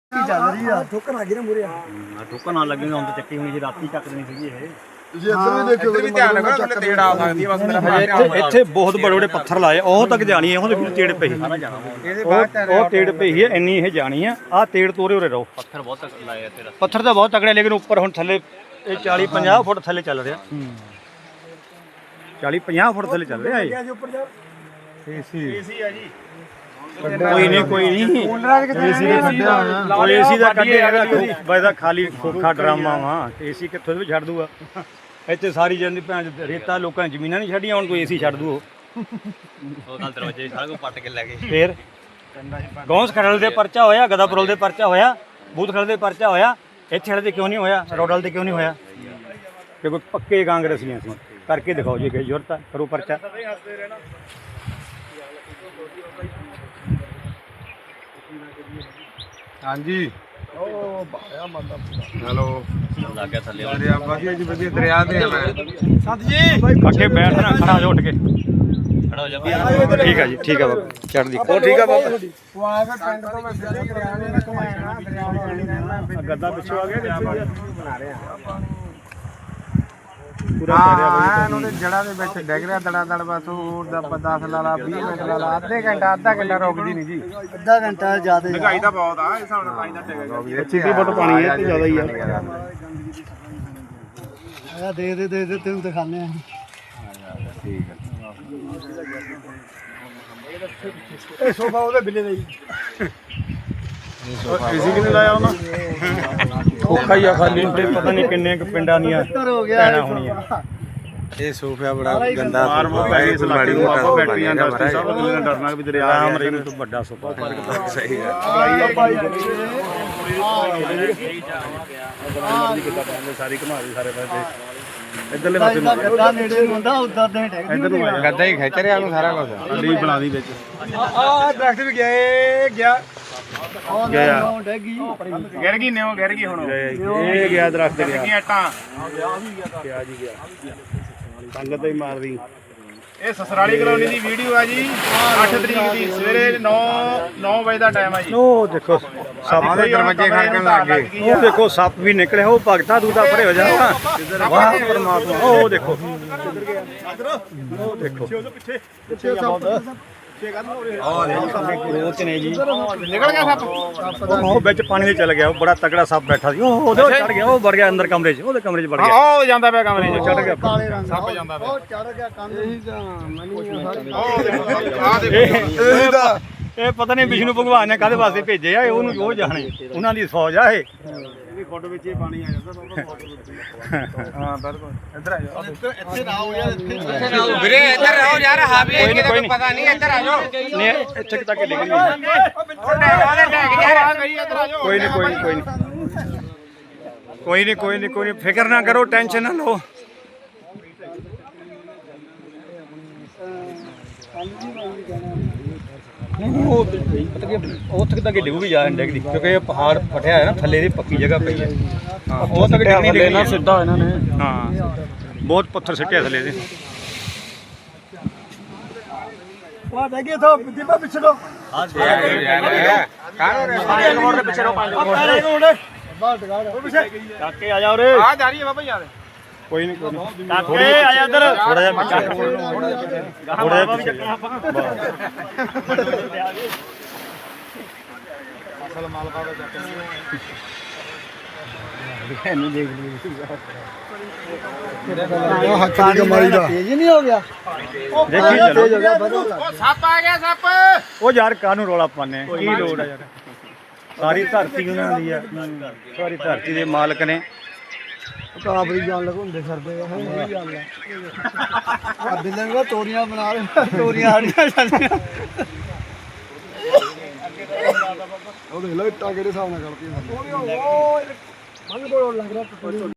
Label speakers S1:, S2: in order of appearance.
S1: ਚੱਲ ਰਹੀ ਆ ਠੋਕਰ ਆ ਗਈ ਨਾ ਮੂਰੇ
S2: ਠੋਕਰ ਨਾਲ ਲੱਗੇਗਾ ਹੁਣ ਤਾਂ ਚੱਕੀ ਹੋਣੀ ਸੀ ਰਾਤੀ ਚੱਕ ਦੇਣੀ ਸੀਗੀ ਇਹ
S1: ਤੁਸੀਂ ਇੱਧਰ ਵੀ ਦੇਖਿਓ ਵੀ ਧਿਆਨ ਰੱਖੋ ਥੱਲੇ ਤੇੜ ਆ ਸਕਦੀ ਹੈ ਬਸ ਮੇਰਾ
S2: ਇੱਥੇ ਬਹੁਤ ਬੜੇ ਬੜੇ ਪੱਥਰ ਲਾਏ ਉਹ ਤੱਕ ਜਾਣੀ ਹੈ ਉਹਦੇ ਵਿੱਚ ਤੇੜ ਪਈ ਉਹ ਤੇੜ ਪਈ ਹੈ ਇੰਨੀ ਇਹ ਜਾਣੀ ਆ ਆਹ ਤੇੜ ਤੋਰੇ ਉਰੇ ਰਹੋ
S3: ਪੱਥਰ ਬਹੁਤ ਤੱਕ ਲਾਏ ਆ ਤੇਰਾ
S2: ਪੱਥਰ ਤਾਂ ਬਹੁਤ ਤਕੜੇ ਲੇਕਿਨ ਉੱਪਰ ਹੁਣ ਥੱਲੇ ਇਹ 40-50 ਫੁੱਟ ਥੱਲੇ ਚੱਲ ਰਿਹਾ 40-50 ਫੁੱਟ ਥੱਲੇ ਚੱਲ ਰਿਹਾ ਇਹ
S1: ਏਸੀ ਆ ਜੀ
S2: ਕੋਈ ਨਹੀਂ ਏਸੀ ਦਾ ਕੱਢਿਆ ਵੈਦਾ ਖਾਲੀ ਖੋਖਾ ਡਰਾਮਾ ਵਾ ਏਸੀ ਕਿੱਥੋਂ ਵੀ ਛੱਡ ਦੂਗਾ ਇੱਥੇ ਸਾਰੀ ਜਾਂਦੀ ਭੈਣ ਰੇਤਾ ਲੋਕਾਂ ਨੇ ਜ਼ਮੀਨਾਂ ਨਹੀਂ ਛੱਡੀਆਂ ਹੁਣ ਕੋਈ ਏਸੀ ਛੱਡ ਦੂ
S3: ਉਹ ਨਾਲ ਦਰਵਾਜ਼ੇ ਸਾਰਾ ਕੁਝ ਪੱਟ ਕੇ ਲੈ ਗਏ
S2: ਫੇਰ ਗੌਂਸ ਖੜਲ ਦੇ ਪਰਚਾ ਹੋਇਆ ਗਦਾਪੁਰਲ ਦੇ ਪਰਚਾ ਹੋਇਆ ਬੂਥ ਖੜਲ ਦੇ ਪਰਚਾ ਹੋਇਆ ਇੱਥੇ ਵਾਲੇ ਦੇ ਕਿਉਂ ਨਹੀਂ ਹੋਇਆ ਰੋਡਲ ਦੇ ਕਿਉਂ ਨਹੀਂ ਹੋਇਆ ਕਿ ਕੋਈ ਪੱਕੇ ਕਾਂਗਰਸੀਆਂ ਸੀ ਕਰਕੇ ਦਿਖਾਓ ਜੇ ਕਿ ਜ਼ਰੂਰਤ ਹੈ ਕਰੋ ਪਰਚਾ
S1: ਹਾਂਜੀ ਉਹ ਬਾਇਆ ਮੰਦਾ ਹੈਲੋ
S3: ਲੱਗ ਗਿਆ ਥੱਲੇ
S1: ਦਰਿਆ ਵਧੀਆ ਜੀ ਵਧੀਆ ਦਰਿਆ ਤੇ ਆ ਮੈਂ ਸੰਤ ਜੀ
S2: ਅੱਗੇ ਬੈਠਣਾ ਖੜਾ ਹੋ ਉੱਠ ਕੇ
S3: ਖੜਾ ਹੋ ਜਾ
S2: ਠੀਕ ਹੈ ਜੀ ਠੀਕ ਹੈ ਬਾਬਾ ਚੜ੍ਹਦੀ
S1: ਉਹ ਠੀਕ ਆ ਬਾਬਾ ਉਹ ਆਇਆ ਫਿਰ ਪਿੰਡ ਤੋਂ ਮੈਂ ਸਿੱਧੀ ਦਰਿਆ ਨੇ ਘੁਮਾਇਆ ਦਰਿਆ
S2: ਗੱਦਾ ਪਿੱਛੋਂ ਆ ਗਿਆ
S1: ਬਣਾ ਰਹੇ ਆ
S2: ਪੂਰਾ ਕਰਿਆ
S1: ਹਾਂ ਉਹਦੇ ਜੜਾਂ ਦੇ ਵਿੱਚ ਡਿੱਗ ਰਿਹਾ ਦੜਾ ਦੜ ਬਸ ਹੋਰ ਦਾ 10 ਲਾਲਾ 20 ਮਿੰਟ ਲਾਲਾ ਅੱਧਾ ਘੰਟਾ ਰੁਕਦੀ ਨਹੀਂ ਜੀ
S4: ਅੱਧਾ ਘੰਟਾ ਜ਼ਿਆਦਾ
S1: ਮਹਿੰਗਾਈ ਤਾਂ ਬਹੁਤ ਆ ਇਸ ਹਿਸਾਬ ਨਾਲ ਪਾਣੀ ਦਾ ਟਿਕੇਗਾ
S2: 25 ਫੁੱਟ ਪਾਣੀ ਹੈ ਤੇ ਜ਼ਿਆਦਾ ਹੀ ਆ
S4: ਆ ਦੇ ਤੈਨੂੰ ਦਿਖਾਣੇ ਆ
S1: ਠੀਕ ਹੈ
S4: ਇਹ ਸੋਫਾ ਉਹਦੇ ਬਿੱਲੇ ਦਾ ਜੀ
S2: ਏਸੀ ਕਿਨੇ ਲਾਇਆ ਉਹਨਾਂ ਔਖਾ ਹੀ ਆ ਖਾਲੀ ਤੇ ਪਤਾ ਨਹੀਂ ਕਿੰਨੇ ਕੁ ਪਿੰਡਾਂ ਦੀਆਂ
S4: ਹੋ ਗਿਆ
S2: ਭੈਣਾਂ ਹੋਣੀਆਂ
S1: ਇਹ ਸੋਫਾ ਬੜਾ ਗੰਦਾ
S2: ਮਾੜੀ ਮੋਟਾ ਬੈਟਰੀਆਂ ਇੰਡਸਟਰੀ ਸਭ ਨੂੰ ਡਰਨਾ ਵੀ ਦਰਿਆ ਰਾਮ ਰਹੀਮ ਤੋਂ ਵੱਡਾ ਸੋਫਾ
S1: ਸਹੀ ਹੈ
S2: ਸਾਰੀ ਘੁਮਾ ਦੇ ਸਾਰੇ ਪਾਸੇ ਇੱਧਰਲੇ ਪਾਸੇ
S4: ਇਹਦਾ ਗੱਡਾ ਨੇੜੇ ਨੂੰ ਹੁੰਦਾ ਉਦਾਂ ਦੇ ਟੈਕ
S2: ਇੱਧਰ ਨੂੰ ਆ
S1: ਗੱਦਾ ਹੀ ਖਿੱਚ ਰਿਹਾ ਉਹਨੂੰ ਸਾਰਾ ਕੁਝ
S2: ਅੱਡੀ ਬਣਾ ਦੀ ਵਿੱਚ
S1: ਆ ਦਰਖਤ ਵੀ ਗਿਆ ਇਹ ਗਿਆ
S2: ਗਿਆ
S4: ਉਹ ਡੈਗੀ
S1: ਗਿਰ ਗਈ ਨੇ ਉਹ ਗਿਰ ਗਈ ਹੁਣ
S2: ਇਹ ਗਿਆ ਦਰਖਤ ਗਿਆ
S1: ਕੀ ਆਟਾਂ
S2: ਗਿਆ ਜੀ ਗਿਆ ਸੰਗਤ ਹੀ ਮਾਰਦੀ
S1: ਇਹ ਸਸਰਾਲੀ ਕਲੋਨੀ ਦੀ ਵੀਡੀਓ ਆ ਜੀ 8 ਤਰੀਕ ਦੀ ਸਵੇਰੇ 9 ਵਜੇ ਦਾ ਟਾਈਮ ਆ ਜੀ
S2: ਉਹ ਦੇਖੋ ਸੱਪ
S1: ਦੇ ਦਰਵਾਜ਼ੇ ਖੜਕਣ ਲੱਗ ਗਏ
S2: ਉਹ ਦੇਖੋ ਸੱਪ ਵੀ ਨਿਕਲਿਆ ਉਹ ਭਗਤਾ ਦੂਦਾ ਪਰੇ ਹੋ ਜਾਣਾ ਵਾਹ ਪਰਮਾਤਮਾ ਉਹ ਦੇਖੋ ਉਹ ਦੇਖੋ ਉਹ ਨੇ ਜੀ
S1: ਨਿਕਲ ਗਿਆ ਸੱਪ
S2: ਉਹ ਵਿੱਚ ਪਾਣੀ ਦੇ ਚਲ ਗਿਆ ਉਹ ਬੜਾ ਤਕੜਾ ਸੱਪ ਬੈਠਾ ਸੀ ਉਹ ਉਹਦੇ ਚੜ ਗਿਆ ਉਹ ਵੜ ਗਿਆ ਅੰਦਰ ਕਮਰੇ 'ਚ ਉਹਦੇ ਕਮਰੇ 'ਚ ਵੜ ਗਿਆ
S1: ਉਹ ਜਾਂਦਾ ਪਿਆ ਕਮਰੇ 'ਚ
S2: ਚੜ ਗਿਆ
S4: ਕਾਲੇ ਰੰਗ
S1: ਸੱਪ ਜਾਂਦਾ ਪਿਆ
S4: ਉਹ ਚੜ ਗਿਆ ਕੰਨ ਇਹੀ ਤਾਂ
S1: ਉਹ ਦੇਖੋ ਆ ਦੇਖੋ
S2: ਇਹ ਪਤਾ ਨਹੀਂ ਵਿਸ਼ਨੂੰ ਭਗਵਾਨ ਨੇ ਕਾਹਦੇ ਵਾਸਤੇ ਭੇਜੇ ਆ ਉਹਨੂੰ ਉਹ ਜਾਣੇ ਉਹਨਾਂ ਦੀ ਫੌਜ ਆ ਇਹ
S1: ਫੋਟੋ ਵਿੱਚ ਹੀ ਪਾਣੀ ਆ ਜਾਂਦਾ ਹਾਂ ਬਿਲਕੁਲ ਇੱਧਰ ਆ ਜਾਓ
S4: ਇੱਥੇ ਨਾ ਹੋ ਯਾਰ
S1: ਵੀਰੇ ਇੱਧਰ ਰਹੋ ਯਾਰ ਹਾਵੇ
S2: ਕੋਈ ਨਹੀਂ
S1: ਪਤਾ ਨਹੀਂ ਇੱਧਰ ਆ ਜਾਓ
S2: ਨਹੀਂ ਇੱਥੇ ਤੱਕ ਡਿੱਗ ਗਈ ਕੋਈ ਨਹੀਂ ਕੋਈ ਨਹੀਂ ਫਿਕਰ ਨਾ ਕਰੋ ਟੈਨਸ਼ਨ ਨਾ ਲਓ ਉਹ ਪਤਾ ਕੀ ਉੱਥੇ ਤੱਕ ਡਿੱਗੂਗੀ ਜਾ ਡਿੱਗਦੀ ਕਿਉਂਕਿ ਇਹ ਪਹਾੜ ਫਟਿਆ ਹੈ ਨਾ ਥੱਲੇ ਦੀ ਪੱਕੀ ਜਗ੍ਹਾ ਪਈ ਹੈ ਹਾਂ ਉਹ ਤੱਕ ਡਿੱਗਣੀ ਨਾ ਸਿੱਧਾ ਇਹਨਾਂ ਨੇ ਹਾਂ ਬਹੁਤ ਪੱਥਰ ਸਿੱਟਿਆ ਥੱਲੇ ਦੇ
S4: ਉਹ ਡੈਗੀ ਤੋਂ ਦੀਪਾ ਪਿੱਛੇ ਤੋਂ
S2: ਕਾਕੇ ਆ ਜਾ ਉਰੇ
S1: ਆ ਜਾ ਰਹੀ ਹੈ ਬਾਬਾ ਯਾਰ
S2: ਕੋਈ ਨਹੀਂ ਕਾਕੇ ਆ ਜਾ ਇੱਧਰ ਥੋੜਾ ਜਿਹਾ ਥੋੜਾ ਜਿਹਾ
S1: ਅਸਲ ਮਾਲ ਬਾਬਾ ਚੱਕ
S4: ਇਹਨੂੰ ਦੇਖ ਲਈ ਉਹ ਹੱਥ ਦੀ ਕਮਾਈ ਦਾ ਤੇਜ਼ ਨਹੀਂ ਹੋ ਗਿਆ
S2: ਦੇਖੀ ਚਲੋ
S4: ਤੇਜ਼ ਹੋ ਗਿਆ ਬਦਲ
S1: ਉਹ ਸੱਪ ਆ ਗਿਆ ਸੱਪ
S2: ਉਹ ਯਾਰ ਕਾਹਨੂੰ ਰੌਲਾ ਪਾਉਂਦੇ ਕੀ ਲੋੜ ਆ ਯਾਰ ਸਾਰੀ ਧਰਤੀ ਉਹਨਾਂ ਦੀ ਆ ਸਾਰੀ ਧਰਤੀ ਦੇ ਮਾਲਕ ਨੇ
S4: ਕਾਬਰੀ ਜਾਨ ਲਗਾਉਂਦੇ ਫਿਰਦੇ ਆ ਇਹ ਗੱਲ ਆ ਬਿੱਲੇ ਨੂੰ ਤੋਰੀਆਂ ਬਣਾ ਰਹੇ ਤੋਰੀਆਂ ਆੜੀਆਂ ਜਾਂਦੀਆਂ ਉਹ ਦੇਖ ਲੋ ਇੱਟਾਂ ਕਿਹੜੇ ਹਿਸਾਬ ਨਾਲ ਕਰਦੀਆਂ ਉਹ ਮੰਗ ਬੋਲ ਲੱਗ ਰਿਹਾ